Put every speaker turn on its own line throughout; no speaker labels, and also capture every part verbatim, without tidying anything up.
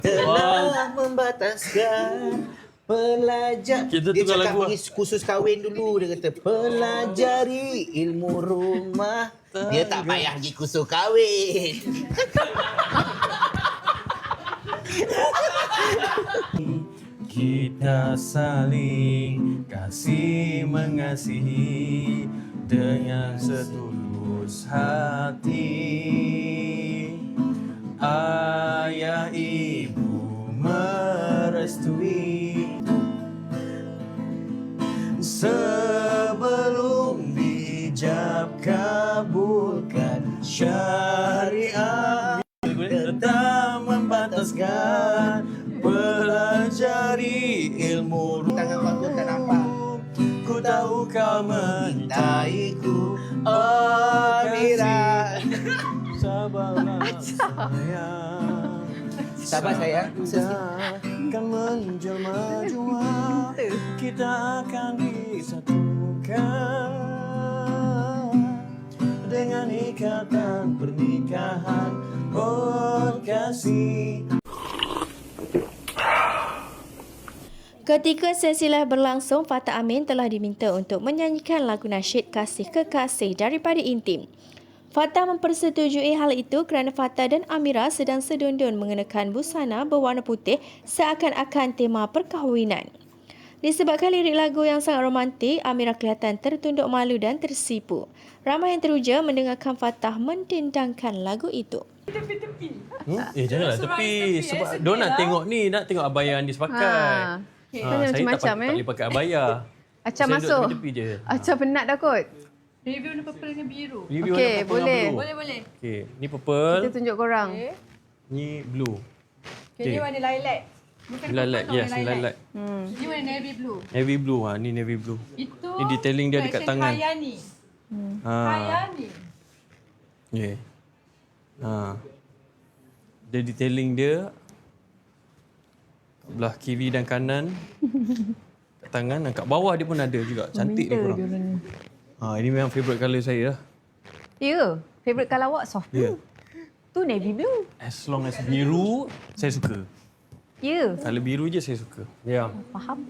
Telah membataskan pelajar.
Kita
Dia
tukar
cakap
lagu
pergi kursus kahwin dulu. Dia kata pelajari ilmu rumah. Dia tak payah pergi kursus kahwin.
Kita saling kasih mengasihi dengan setulus hati. Ayah ibu merestui sebelum dijab kabulkan syariat. Tetap membataskan pelajari ilmu ruh.
Tangan bagus tak nampak.
Ku tahu kau
Mentaiku, oh Mira.
Sabarlah sayang.
Sabar sayang.
Akan menjelma jua, kita akan disatukan dengan ikatan pernikahan. Oh kasih.
Ketika sesi live berlangsung, Fatah Amin telah diminta untuk menyanyikan lagu nasyid Kasih Kekasih daripada Intim. Fatah mempersetujui hal itu kerana Fatah dan Amira sedang sedundun mengenakan busana berwarna putih seakan-akan tema perkahwinan. Disebabkan lirik lagu yang sangat romantik, Amira kelihatan tertunduk malu dan tersipu. Ramai yang teruja mendengarkan Fatah mendendangkan lagu itu.
Hmm? Eh janganlah tepi sebab dia nak tengok ni, nak tengok abaya yang dia pakai.
Ha.
Ha,
Kan
saya
macam-macam
tak,
eh.
tak boleh pakai abaya.
Acah
Saya duduk
masuk.
tepi-tepi je.
Acah penat dah kot.
Review warna purple dengan biru.
Review
Okey,
warna purple
boleh.
dengan blue.
Boleh, boleh.
Okey, ni purple,
Kita tunjuk korang.
Okay.
ni blue.
Okay, ni warna lilac. Bukan
Lilac,
purple,
yes,
warna
lilac.
Hmm.
Ni warna navy blue.
Navy blue, ha, ni navy blue.
Itu
Ni detailing dia dekat
collection
tangan.
Hayani.
Ha.
Hayani.
Yeah. Ha. Dia detailing dia kat belah kiri dan kanan. Kat tangan dan kat bawah dia pun ada juga. Cantik ni korang. Ha, ini memang favourite colour saya lah.
Ya, favourite colour awak soft
Ya.
blue. Tu navy blue.
As long as biru, saya suka.
Ya,
Colour biru je saya suka. Ya. Yeah.
faham.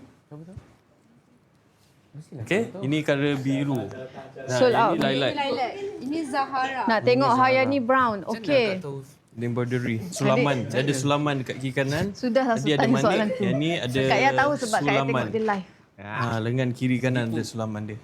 Okay, ini colour biru. Nah,
Sold out.
ini lilac.
Ini lilac. Ini Zahara.
Nak tengok Hayani brown. Okey.
Dia embroidery. Sulaman. Dia ada sulaman dekat kiri kanan.
Sudah lah
Tadi ada
tanya soalan
manik.
tu.
Yang ni ada
Kak Yah tahu sebab Kak Yah
sulaman.
tengok dia live.
Ha, lengan kiri kanan ada sulaman dia.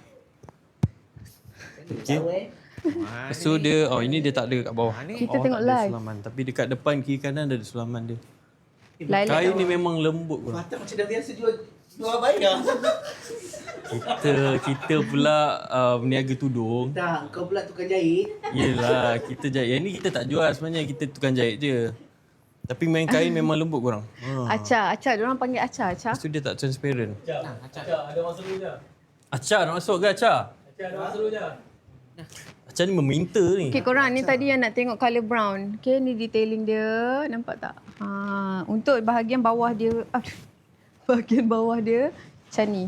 Okey. Lepas tu dia, oh ini dia tak ada kat bawah.
Kita
Bawah
tengok
tak ada
live.
Sulaman. Tapi dekat depan kiri kanan ada sulaman dia.
Lilac
Kain
dah.
ni memang lembut pun.
Fatah macam dah biasa jual jual abaya.
Kita kita pula uh, berniaga tudung.
Tak, kau pula tukang jahit.
Yelah, kita jahit. Yang ni kita tak jual sebenarnya. Kita tukang jahit je. Tapi main kain memang lembut korang. Ha.
Acah, Acah. Diorang panggil Acah, Acah.
Lepas tu dia tak transparent.
Acah, ada masuk dulu je.
Acah nak masuk ke Acah?
Acah, ada masuk dulu je.
Acah ni meminta ni.
Okey, korang ni tadi yang nak tengok colour brown. Okey, ni detailing dia. Nampak tak? Ha, untuk bahagian bawah dia, aduh, bahagian bawah dia macam ni.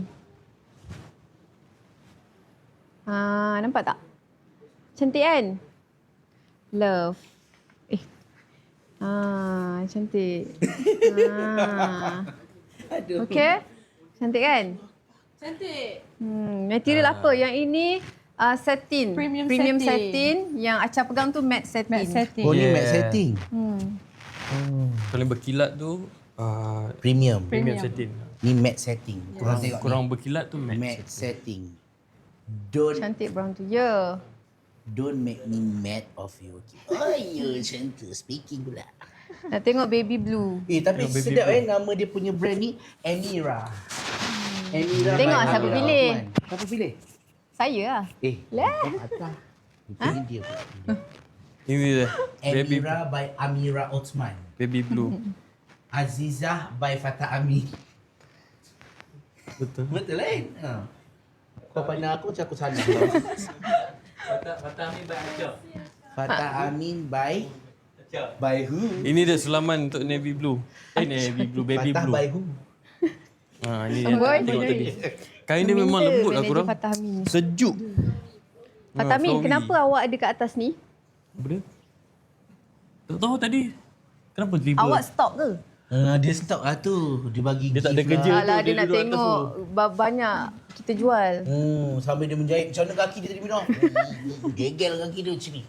Ha, nampak tak? Cantik kan? Love. Eh. Ha, cantik. Ha.
Aduh.
Okey? Cantik kan?
Cantik.
Hmm, material apa? Yang ini uh, satin.
Premium
Premium
satin.
satin. Yang Acah pegang tu matte satin.
Matte setting.
Oh, ni
Yeah.
matte setting.
Hmm.
Paling berkilat tu uh,
Premium.
premium
Premium.
setting.
Ni matte setting. Korang
Kurang,
tengok
kurang
ni.
berkilat tu matte.
Matte setting. Don't
Cantik brown tu. Ya.
don't make me mad of you. Oh, you macam tu speaking pula.
Nak tengok baby blue.
Eh, tapi
Tengok baby
sedap
blue.
eh nama dia punya brand ni Emira. Emira.
Tengok
by
siapa
Amira
pilih.
Othman. Siapa pilih?
Saya lah.
Eh,
Lah.
Atas. Ini dia pula.
Ini dia. Baby,
Emira by Amira Othman.
baby blue.
Azizah by Fatah Amin.
Betul.
Betul kan? Ha. Kau pandang aku macam aku salah.
Fatah, Fatah ni baik Acah.
Fatah Amin by
Acah.
by who?
Ini dia sulaman untuk navy blue. Eh navy blue, baby
Fatah
blue.
by who?
Ha, ni yang
Boy.
tak tengok tadi. Kain dia memang
Meminta
lembut lah
manager
korang.
Fatah Amin ni.
Sejuk.
Fatah Amin,
flowy.
kenapa awak ada kat atas ni?
Apa dia? Tak tahu tadi. Kenapa tiba?
Awak stop ke?
Uh, dia stok lah tu. Dia bagi
Dia tak ada
gift
kerja.
lah.
Alah,
tu,
dia
dia
nak
duduk atas
tengok ba- banyak kita jual.
Hmm, sambil dia menjahit macam mana kaki dia tadi minum. Gegel kaki dia macam ni.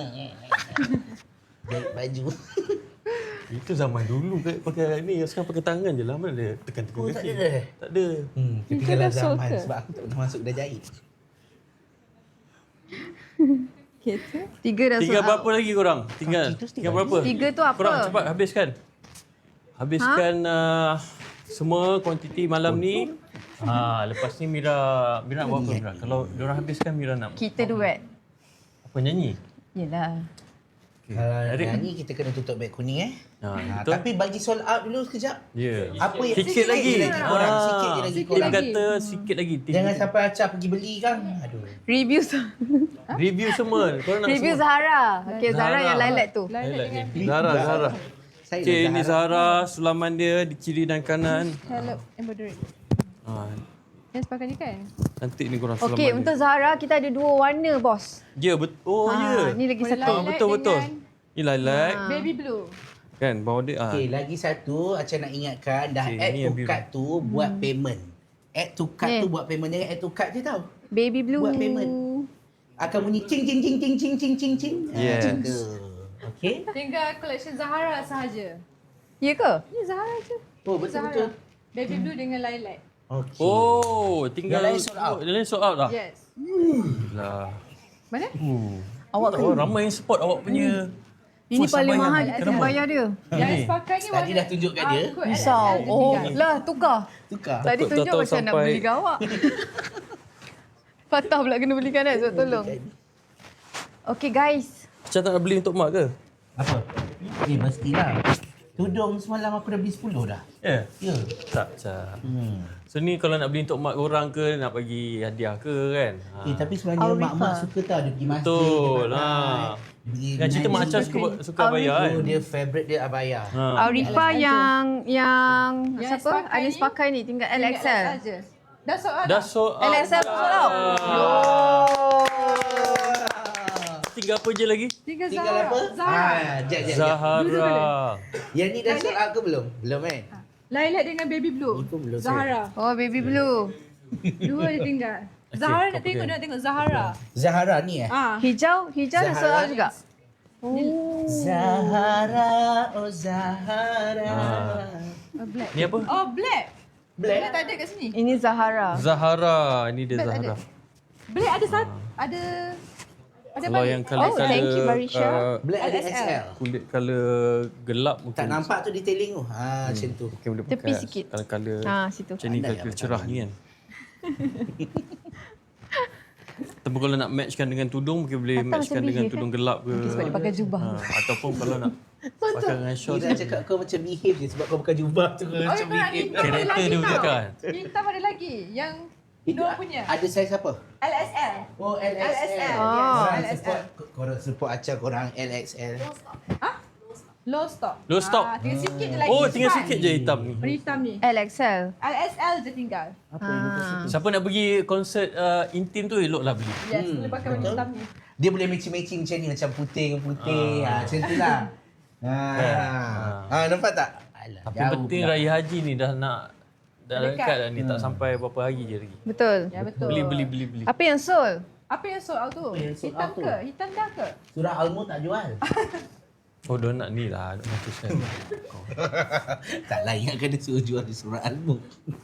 Jahit baju.
Itu zaman dulu kan pakai ni. Sekarang pakai tangan je lah. Mana dia tekan-tekan
Oh,
kaki.
tak ada dah.
Tak ada.
Hmm, ketinggalan zaman sebab aku tak pernah masuk kedai jahit.
Tiga dah
Tinggal
sold out.
berapa lagi korang? Tinggal.
Kaki tu
Tinggal
tinggal
berapa?
Tiga tu apa?
Korang cepat habiskan. Habiskan uh, semua kuantiti malam ni. Ha, lepas ni Mira Mira nak buat apa Mira? Kalau diorang habiskan Mira nak
Kita duet.
apa nyanyi?
Yelah.
Okay.
Kalau
Eric?
nyanyi kita kena tutup beg kuning eh.
Ha,
Ha,
betul.
tapi bagi sold out dulu sekejap.
Ya.
Apa yang
Sikit lagi.
je lagi korang,
Ah,
sikit je lagi
Dia
korang.
kata sikit lagi.
Jangan sampai Acah pergi beli kan. Aduh.
Review
Review semua. Korang nak
Review
semua.
Zahara. Okay, Zahara
Zahara.
yang lilac tu.
Highlight ni. Zahra, Zahra.
Saya
Okay,
dah
ini Zahra. Sulaman dia di kiri dan kanan.
Hello, embroidery.
Ha,
Yang sepakat ni kan?
cantik ni korang sulaman
Okay,
dia.
untuk Zahara kita ada dua warna, bos.
Ya, betul. Oh, ya.
Ni lagi
Boleh
satu.
Ah,
lilac
betul, betul.
dengan
Ni lilac.
Baby blue.
Kan, bawah dia. Ah.
Okey, lagi satu Acah nak ingatkan dah
Okey,
add
ni
to
yang biru.
cart tu buat payment. Add to cart
Eh.
tu buat payment. Jangan add to cart je tau.
Baby blue.
Buat payment. Akan bunyi cing cing cing cing cing cing cing cing. Ah,
Yes.
macam tu. Okey.
Tinggal collection Zahara sahaja.
Ya ke?
Ni Zahara je.
Oh, betul
Zahara.
betul.
Baby blue dengan lilac.
Okey.
Oh, tinggal
Yang lain sold out.
Yang lain sold out dah.
Yes.
Lah.
Mana?
Uh.
Awak
Oh, ramai yang support awak punya.
Ini
First
paling
sabayang.
mahal kita
Kenapa?
bayar dia.
Yang
Ni.
sepakat ni
Tadi dah tunjuk kat dia.
Aku
Risau.
L S L je
Oh,
tinggal.
lah tukar.
Tukar.
Tadi
Takut
tunjuk
tak tahu
macam nak
sampai-
beli gawak. Fatah pula kena belikan kan, so tolong. Okay guys.
Macam tak nak beli untuk mak ke?
Apa? Eh, mestilah. Tudung semalam aku dah beli sepuluh dah.
Ya.
Ya.
Tak, Cak.
Hmm.
So ni kalau nak beli untuk mak korang ke, nak bagi hadiah ke kan? Ha.
Eh, tapi sebenarnya
Aurifa.
mak-mak suka tau dia pergi masjid.
Betul,
dia
ha.
pakai. Dia pergi
Yang cerita Mak
mengaji.
Acah suka, suka bayar kan?
Oh, dia favourite dia abaya.
Ha.
Aurifa yang yang
Yang
siapa?
sepakai
Anis
ni,
pakai ni tinggal L X L.
Tinggal L S L je. Dah sold out
Dah
dah.
sold out.
L X L sold out.
Tinggal apa je lagi?
Tinggal
Tinggal
Zahara.
apa?
Zahara.
Ah, jap, jap, jap.
Zahara.
Yang ni dah sold out ke belum? Belum kan?
Lilac dengan baby blue.
Itu belum
Zahara.
Oh, baby blue.
Dua dia tinggal.
Okey,
Zahara
kau
nak tengok,
pakai.
nak tengok Zahara.
Zahara ni eh?
Ah.
Hijau, hijau dah sold out
Zahara.
juga.
Zahara, oh Zahara.
Oh, black.
Ni apa?
Oh, black.
Black?
Black tak ada kat sini.
Ini Zahara.
Zahara. Ini dia
Black
Zahara.
ada. Black ada satu. Ada. Ada
Kalau
balik.
yang colour
Oh, thank you,
colour
Barisha.
uh,
Black ada
L S L.
S L.
kulit colour gelap mungkin.
Tak nampak tu detailing tu. Ha, macam tu.
Mungkin boleh
Tepi
pakai
sikit.
Colour-colour
Ha, situ.
macam ni,
Pandai
colour
lah,
cerah ni kan. Tapi kalau nak matchkan dengan tudung mungkin boleh
Patah
matchkan
macam
dengan
behave,
tudung gelap ke.
Mungkin sebab dia pakai jubah.
Ha, ataupun kalau nak pakai dengan short.
Ira cakap kau macam behave je sebab kau pakai jubah tu. Kau
Oh,
macam
kau nak
behave.
hitam ada
Karakter
lagi
dia
tau.
bukan.
Hitam ada lagi. Yang
Itu
Dua
a-
punya.
ada saiz apa?
L S L.
Oh, L X L.
L S L.
Ah.
Yes,
Korang
L S L.
support, korang support Acah korang L X L.
Low stock.
Low stock.
Ah, tinggal sikit je lagi.
Oh, tinggal
cepat.
sikit je hitam ni.
Hitam ni.
L X L.
L S L je tinggal.
Apa yang kau suka?
Siapa nak pergi konsert uh, intim tu eloklah beli.
Yes, boleh pakai baju hitam ni.
Dia boleh matching-matching macam ni. Macam putih dengan putih. Ha, macam tu lah. Ha. Ha, nampak tak? Alah,
Tapi
jauh
penting
pula.
raya haji ni dah nak dah
Dekat.
dekat dah ni, tak sampai berapa hari je lagi.
Betul.
Ya, betul.
Beli beli beli beli.
Apa yang sold?
Apa yang sold out tu?
Apa yang sold
Hitam
out tu?
ke? Hitam dah ke?
Surah Al-Mulk tak jual.
Oh, dia nak ni lah, nak matuskan.
tak lah, ingatkan dia suruh jual di surah Al-Mulk.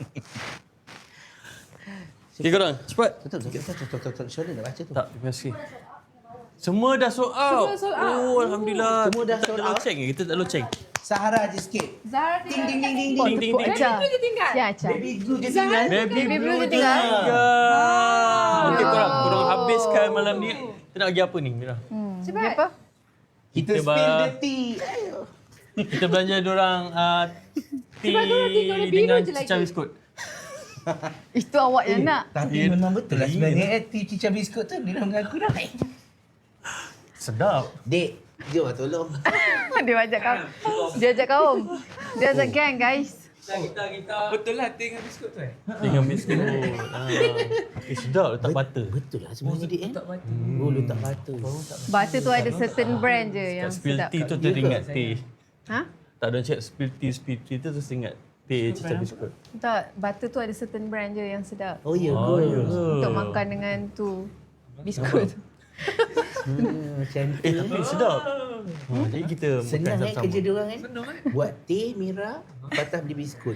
Okay korang, cepat.
Betul, betul, betul, betul, betul, betul. Syurga dah baca tu.
Tak, terima kasih. Semua dah sold out.
Semua sold out.
Oh, alhamdulillah.
Semua dah
Kita
sold
tak
out.
loceng ke? Kita tak loceng.
Sahara je sikit.
Zahara
Ding,
tinggal.
ding, ding, ding,
Ding
ding.
ding
Tepuk
ding.
Acah.
Baby blue je tinggal.
Ya, Acah.
Baby glue je tinggal.
Baby
Baby
blue
blue
je
tinggal.
tinggal. Okey korang, korang habiskan malam ni. Kita nak pergi apa ni, Mira?
Cepat.
Dia apa?
Kita
Kita
spill
bah-
the tea. Ayo.
Kita belanja diorang uh, tea
Sebab korang tinggal warna biru
dengan
je lagi.
cicah biskut.
Itu awak yang nak.
Tapi
Ya,
memang betul lah
ringin.
sebenarnya eh, tea cicah biskut tu dia dah mengaku dah.
Sedap.
Dek, jom lah tolong.
Dia ajak kaum. Dia ajak kaum. Dia ajak gang, guys.
Kita, kita, kita.
Betul lah tea dengan biskut tu eh.
Dengan biskut. Ah. Eh, sedap letak butter.
Betul lah sebenarnya dek eh. Oh, letak butter.
Butter tu ada certain brand je yang
Kat spill
sedap.
tea tu teringat teh.
Ha?
Tak ada cakap spirity-spirity tu terus ingat teh cicah biskut.
Tak, butter tu ada certain brand je yang sedap.
Oh ya
Oh,
ke?
ya.
Untuk makan dengan tu biskut.
Hmm, macam tu.
Eh, tapi sedap. Ha, jadi kita
Senang
makan
kan
sama-sama.
kerja dia orang kan? Buat teh, Mira, Fatah beli biskut.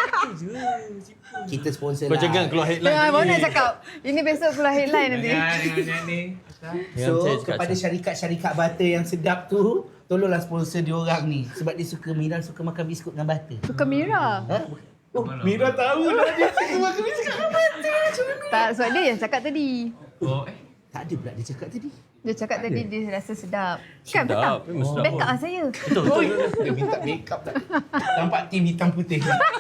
Kita sponsor
Kau
lah.
jangan keluar headline.
Tengah baru
lagi.
nak cakap. Ini besok keluar headline nanti.
Dengan ni.
Yang
So,
saya cakap
kepada
macam-
syarikat-syarikat butter yang sedap tu, tolonglah sponsor dia orang ni. Sebab dia suka, Mira suka makan biskut dengan butter.
Suka Mira.
Ha? Oh, Mira tahu lah dia suka makan biskut dengan butter.
Tak, sebab dia yang cakap tadi.
Oh, eh.
Tak ada pula dia cakap tadi.
Dia cakap tadi dia rasa sedap. Kan betul?
Sedap, memang sedap.
Backup lah saya.
Betul, betul.
Dia minta make up tak. Nampak tim hitam putih.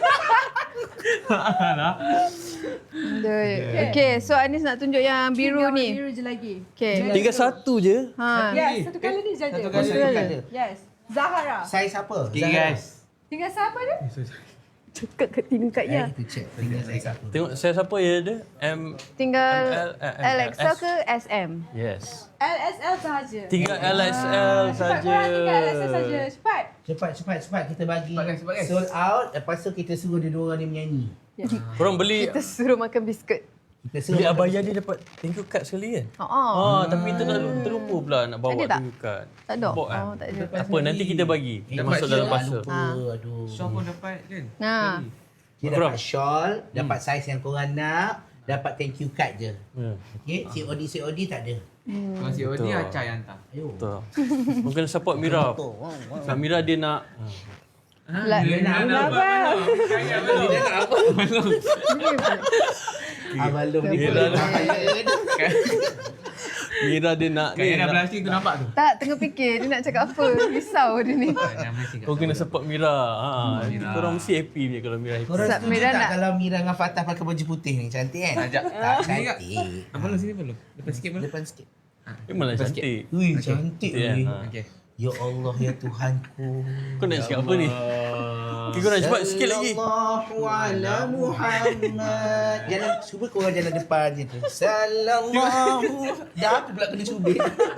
Dia- Okay, so Anis nak tunjuk yang biru
Tinggal
ni.
Biru je lagi.
Okay.
Tinggal satu je.
Ha.
Yes, satu kali ni saja.
Satu kali colour.
Yes. Zahara.
Saiz apa?
Okay guys.
Tinggal siapa dia?
Cakap kat tinggal kat
Ya.
ya.
Kita check tinggal saiz apa.
Tengok saya siapa ya dia? M
Tinggal
M L, eh, M L,
L X L
S.
ke S M?
Yes.
L S L sahaja.
Tinggal L X L
Cepat
saja.
korang tinggal L S L saja. Cepat.
Cepat, cepat, cepat. Kita bagi
Cepat, guys, cepat, guys.
sold out. Lepas tu kita suruh dia dua orang ni menyanyi.
Korang beli
Kita suruh makan biskut.
Kita suruh
beli
makan-
abaya dia dapat thank you card sekali kan?
Ha ah.
Ah, tapi terlalu terlupa pula nak bawa
Ada tak?
thank you card.
Tak ada.
Bawa kan?
Oh, tak ada.
Tak apa, nanti kita bagi. Dah
Eh,
masuk
dia
dalam
tak
parcel.
lupa. Aduh.
Syah pun dapat kan?
Nah.
Dia
Korang.
dapat shawl, dapat saiz yang korang nak, dapat thank you card je.
Ya,
Okay, C O D C O D tak ada.
Kalau si Odi
Betul.
Acah yang hantar.
Ayo.
betul. Mungkin support Mira. Sebab Mira dia nak
Lah,
Dia nak apa? Kaya belum?
Dia nak apa? Abalum ni
Dia
boleh
dah-
bahaya.
Mira dia nak
Kaya
ni.
dah
nak-
plastik tu nampak tu?
tak tengah fikir dia nak cakap apa. Risau dia ni.
Jangan mesti kat
Kau kena support Mira. Ha, nanti
Mira.
korang mesti happy punya kalau Mira happy.
Korang
Sat
setuju
Mira
tak
nak-
kalau Mira dengan Fatah pakai baju putih ni? Cantik kan?
Ajak.
Tak
Sini kak.
cantik.
Abang lu sini belum? Depan sikit belum?
Depan sikit.
Memanglah
Lepas sikit.
cantik.
Ui, cantik
Ya,
ni.
ha.
Okey.
Ya Allah, ya Tuhanku.
Kau nak cakap apa ni? Okay, kau nak cepat sikit lagi.
Sallallahu ala Muhammad. Jalan, cuba korang jalan depan je tu. Sallallahu. Dah aku pula kena cubit.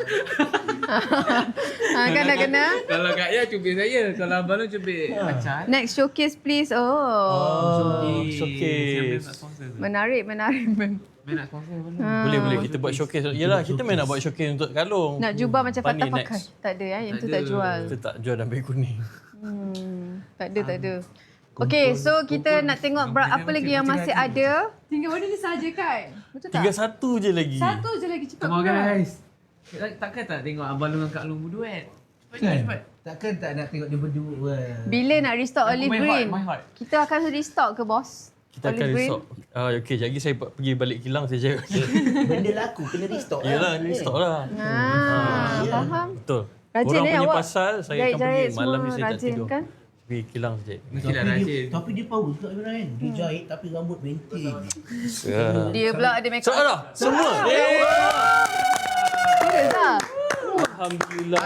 Ha, kan dah kena.
Kalau Kak Ya cubit saya. Kalau Abang lu cubit Acah.
Next showcase please. Oh.
Oh, showcase.
Siapa nak sponsor tu?
Menarik, menarik.
Main nak sponsor Abang lu?
Boleh boleh kita buat showcase. Yalah, kita main nak buat showcase untuk kalung.
Nak jubah macam
Fani
Fatah pakai.
next.
Tak ada ya, yang tu
Tak
tak
ada.
jual.
Kita tak jual dalam beg kuning.
Hmm, tak ada, tak ada. Okay, so kita nak tengok bra- apa lagi yang masih ada.
Tinggal benda ni saja kan? Betul tak?
Tinggal satu je lagi.
Satu je lagi cepat.
Come on
korang.
guys. Takkan tak tengok Abang lu dengan Kak Long berduet? Cepat cepat cepat.
Takkan tak nak tengok dia berdua.
Bila nak restock olive
my
green?
heart, my heart.
Kita akan restock ke bos?
Kita akan
Olive green?
restock. Ah, okey, sekejap lagi saya pergi balik kilang saya cakap.
Benda laku kena restock lah.
Yalah, restock lah.
Ah,
ya.
faham.
Betul.
Rajin
Korang
eh
punya
awak.
pasal saya akan pergi
Jahit-jahit
malam ni
semua
saya tak
rajin
tidur.
kan?
Pergi kilang sekejap.
Mestilah
Tapi
rajin.
dia, tapi dia power juga Imran kan. Dia jahit tapi rambut maintain.
Ya.
Dia pula ada make
So,
up.
dah. Semua. Eh.
Serius tak?
Alhamdulillah.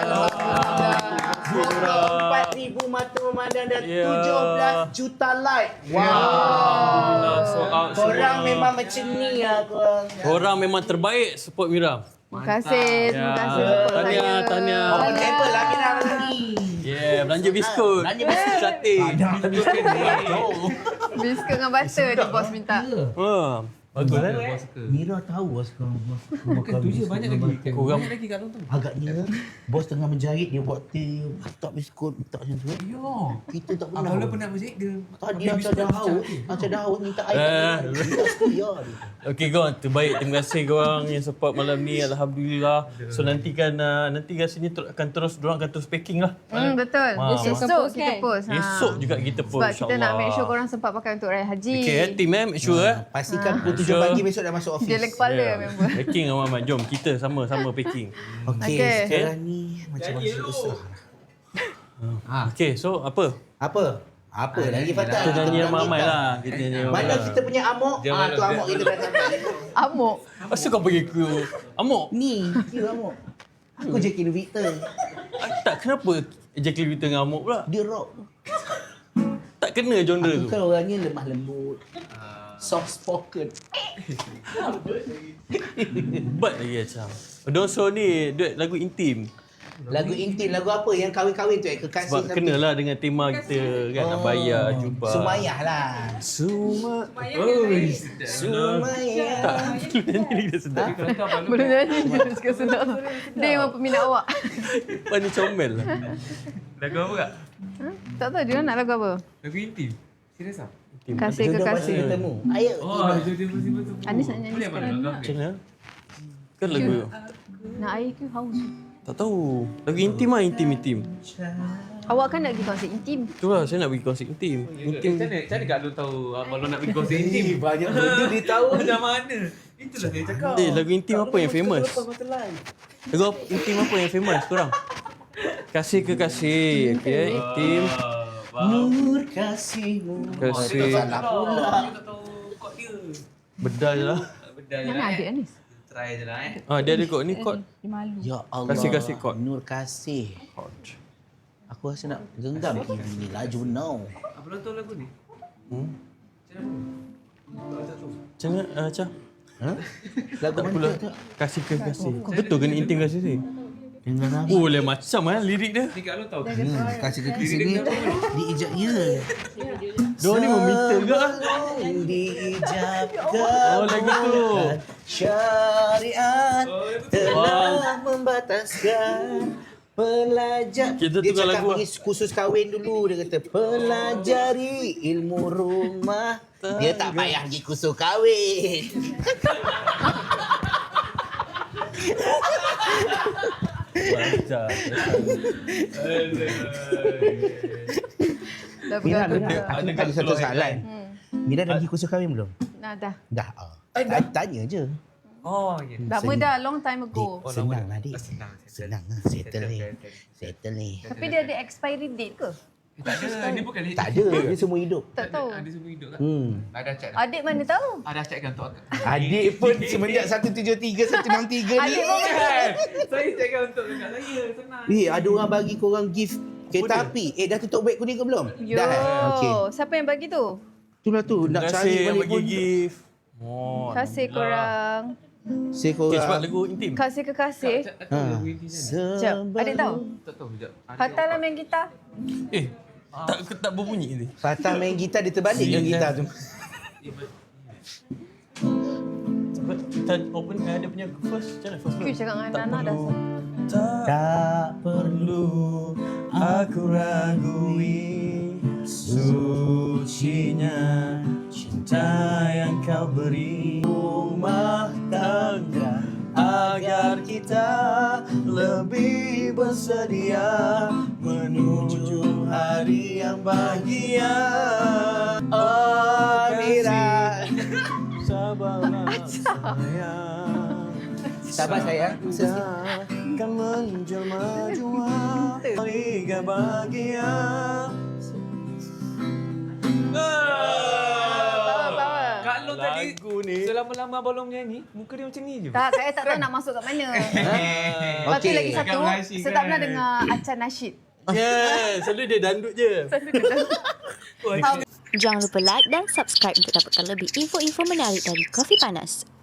empat ribu mata memandang dan
Ya.
tujuh belas juta like. Wow.
Alhamdulillah. Sold out semua.
Korang memang macam ni lah korang.
Korang memang terbaik support Mira.
Terima kasih. Terima
Ya.
kasih support
Tahniah,
saya.
tahniah.
Apa level lah Mira ni.
Yeah, belanja biskut.
Belanja biskut.
Cantik.
Biskut dengan butter dia bos minta.
Ha. Bagus kan?
Abang suka.
Mira tahu lah sekarang.
Bukan tu je banyak lagi.
Korang-
Banyak lagi Kak Long tu.
Agaknya bos tengah menjahit dia buat teh, letak biskut, letak macam tu.
Yo.
Kita tak pernah.
Abang lu pernah berjaga.
Tadi macam dah haus, macam dah haus minta air.
Eh.
Kita setia dia.
Okey korang, terbaik. Terima kasih korang yang support malam ni. Alhamdulillah. So nanti kan uh, nanti rasanya ter- akan terus dorang akan terus packing lah.
Hmm, betul.
Wah.
Esok kita post. Ha.
Esok juga kita post,
Sebab kita nak make sure
insyaAllah.
korang sempat pakai untuk raya haji.
Okay, eh, team eh, make sure eh.
Pastikan pukul tujuh
Sure.
pagi besok dah masuk office.
Dia le kepala
Yeah.
member.
Packing aman-aman. Jom kita sama-sama packing.
Okey,
Okey.
sekarang ni macam masuk besar.
Ah.
Okay, so apa?
Apa? Apa
Ah,
lagi
nyanyi
Fatah?
Kita nyanyi
Kita
ramai
minta.
lah. Kita nyanyi ramai
Mana
lah.
kita punya amok?
Jangan
Ah, tu
lah,
amok kita dah sampai.
Amuk.
Asal kau pergi ke Amok?
Ni, dia amok. Aku Jackie Victor.
Ah, tak, kenapa Jackie Victor dengan Amok pula?
Dia rock.
Tak kena genre
Aku
tu.
kan orangnya lemah lembut. Soft spoken.
But lagi macam. Doso ni duet lagu intim.
Lagu intim, lagu apa yang kahwin-kahwin tu? Eh, kekasih
Sebab
tapi-
kenalah dengan tema kita kan.
Oh,
Abaya, jubah.
Sumayah lah.
Suma.
Oh, sedap.
Sumayah.
Tak, nyanyi lagi dah sedap.
Kalau tak abang
Belum nyanyi je suka sedap. Dia memang peminat awak.
Pani comel lah.
lagu apa kak?
Ha? Tak tahu dia nak lagu apa.
Lagu intim. Serius ah?
Kasih
Jodoh pasti
kekasih.
bertemu. Ayo.
Oh, jodoh masih betul.
Anis nak nyanyi
Boleh
sekarang.
abang lagu
Macam mana? Kan lagu
Nak air ke haus?
tak tahu. Lagu intim lah, intim-intim.
Awak kan nak pergi konsert intim.
Tu lah, saya nak pergi konsert intim.
Intim. Macam mana? Macam mana kak Long tahu abang Long nak pergi konsert intim?
Banyak benda dia tahu.
Macam mana? Itulah saya cakap.
Eh, lagu intim apa yang famous? Lagu apa- intim apa yang famous korang? Kasih kekasih. Okay, intim.
Nur kasihmu.
Kasih.
Salah pula.
Tak tahu kod dia.
Bedal lah.
Bedal je
Mana
lah
adik
eh.
Anis?
Try je lah eh.
Ah, dia ada kod ni kod.
Dia malu.
Ya Allah.
Kasih-kasih kod.
Nur kasih. Aku rasa nak genggam ini laju now.
Abang Long tahu lagu ni?
Hmm?
Macam mana? Tak tahu.
Macam mana, uh, Cah?
Ha? Lagu
Tak
mana
pula.
tu?
Kasih kekasih. Betul ke ni intim kasih sih?
Dengan apa?
Oh, lain macam lah lirik dia.
Ni kak Long tahu.
Hmm, kasih kekasih ni diijab ya.
Diorang ni meminta ke?
Diijabkan.
Oh, lagu tu.
Syariat telah membataskan pelajar.
Kita
Dia
tukar
cakap
lagu lah.
pergi kursus kahwin dulu. Dia kata pelajari ilmu rumah. Dia tak payah pergi kursus kahwin.
Baca.
Dah
Mira,
pegang
Mira,
pegang.
aku
Ada
nak tanya satu
keluar
soalan.
Hmm.
Mira dah pergi kursus kahwin belum?
Nah, dah.
Dah. Dah. Tanya je.
Oh, ya.
Lama dah, long time ago.
Dik, senang lah dik.
Senang.
Senang lah. Settle ni. Settle ni.
Tapi dia ada expiry date ke?
Tak ada. Ni bukan
Tak ada. Dia semua hidup.
Tak tahu.
Ada semua hidup kan?
Hmm.
Ada check dah.
Adik mana tahu?
Ada check kan untuk akak.
Adik pun semenjak satu tujuh tiga, satu enam tiga ni.
Adik pun
Kan? Saya check kan untuk kakak saya. Senang.
Eh, ada orang bagi korang gift kereta api. Eh, dah tutup web kuning ke belum?
Yo,
Dah. Okey.
siapa yang bagi tu?
Itulah tu. Nak
Terima
cari
kasih yang
balik
bagi
pun.
gift. Oh,
Kasih
Alhamdulillah.
korang.
Saya
Okay, sebab
korang.
lagu intim.
Kasih kekasih.
Tak tahu
Ha.
lagu inti macam mana.
Sekejap, adik tahu?
Tak tahu sekejap.
Fatah lah main gitar.
Eh, tak tak berbunyi ni.
Fatah main gitar, dia terbalik dengan gitar tu.
Sebab kita open eh, dia punya first macam mana? First
Kau cakap dengan Nana dah.
Tak
Tak
perlu aku ragui sucinya cinta yang kau beri rumah tangga agar kita lebih bersedia menuju hari yang bahagia.
Oh, Mira.
Sabarlah sayang.
Sabar sayang.
Kan menjelma jua Liga bahagia.
Power, power.
Kak Long tadi
Lagu ni.
selama-lama abang Long menyanyi, muka dia macam ni je.
Tak, saya tak tahu nak masuk kat mana. Lepas tu
Okey.
lagi satu,
Agak blushing
saya tak
kan?
pernah dengar Acan Nasyid.
Yeah, selalu dia dandut je.
Jangan lupa like dan subscribe untuk dapatkan lebih info-info menarik dari Kopi Panas.